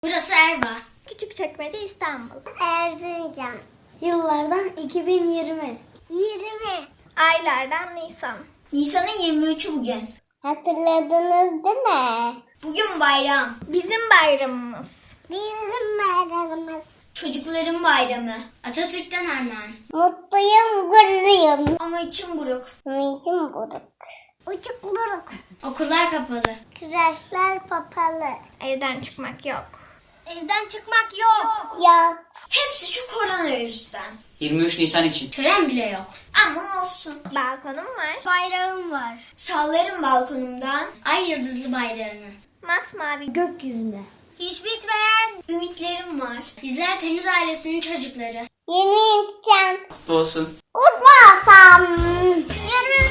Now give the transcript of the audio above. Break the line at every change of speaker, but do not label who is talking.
Burası Erbaa.
Küçükçekmece, İstanbul.
Erzincan.
Yıllardan 2020.
20.
Aylardan Nisan.
Nisan'ın 23'ü bugün.
Hatırladınız değil mi?
Bugün bayram.
Bizim bayramımız.
Bizim bayramımız.
Çocukların bayramı. Atatürk'ten armağan.
Mutluyum, gururluyum.
Ama içim buruk.
Ümidim buruk. Uçuk buruk.
Okullar kapalı.
Kreşler papalı.
Evden çıkmak yok.
Evden çıkmak yok. Yok.
Hepsi şu koronavirüsten.
23 Nisan için.
Tören bile yok. Ama olsun.
Balkonum var.
Bayrağım var.
Sallarım balkonumdan ay yıldızlı bayrağını.
Masmavi
Gökyüzünde.
Hiç bitmeyen.
Ümitlerim var. Bizler temiz ailesinin çocukları.
20 insan.
Kutlu olsun.
Kutlu olsun. 20